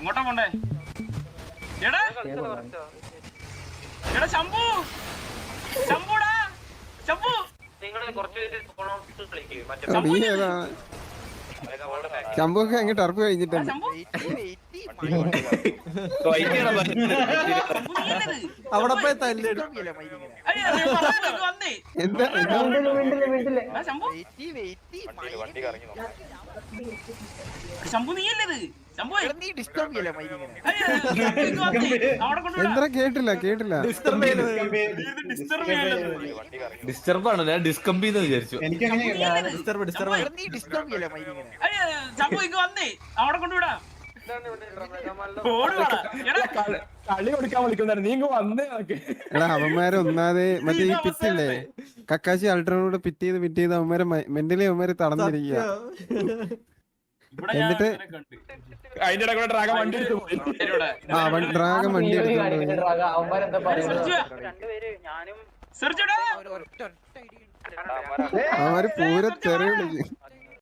എങ്ങോട്ടാ പോണ്ടേ? എടാ എടാ ശംഭു, ശംഭുടാ, ശംഭു. ശംഭുക്ക് അങ്ങ് ടർഫ് കഴിഞ്ഞിട്ടുണ്ട്. അവിടെ പോയി തല്ല്. എന്താ ശംഭു നീയല്ലേ ഇത്? ശംഭു എന്താ കേട്ടില്ല ഡിസ്റ്റർബ് ആണ്, ഞാൻ ഡിസ്കംബിന്ന് വിചാരിച്ചു. ശംഭു ഇങ്ങ് വന്നേ, അവിടെ കൊണ്ടുവിടാം. കളി കൊടുക്കാൻ വിളിക്കുന്നായിരുന്നു, നീ വന്നേ. എടാ അവന്മാരെ ഒന്നാതെ മറ്റേ ഈ പിറ്റില്ലേ, കക്കാശി അൾട്രോനോട് പിറ്റ് ചെയ്ത് അവന്മാരെ മെന്റലി അവന്മാരെ തളർന്നിരിക്കുക. എന്നിട്ട് അതിന്റെ ഇടയിൽ ഡ്രാഗൺ വണ്ടി എടുത്തു പോയി. ഡ്രാഗൺ വണ്ടി എടുത്തോണ്ട് അവന്മാര് പൂര തെറി വിളിക്കും.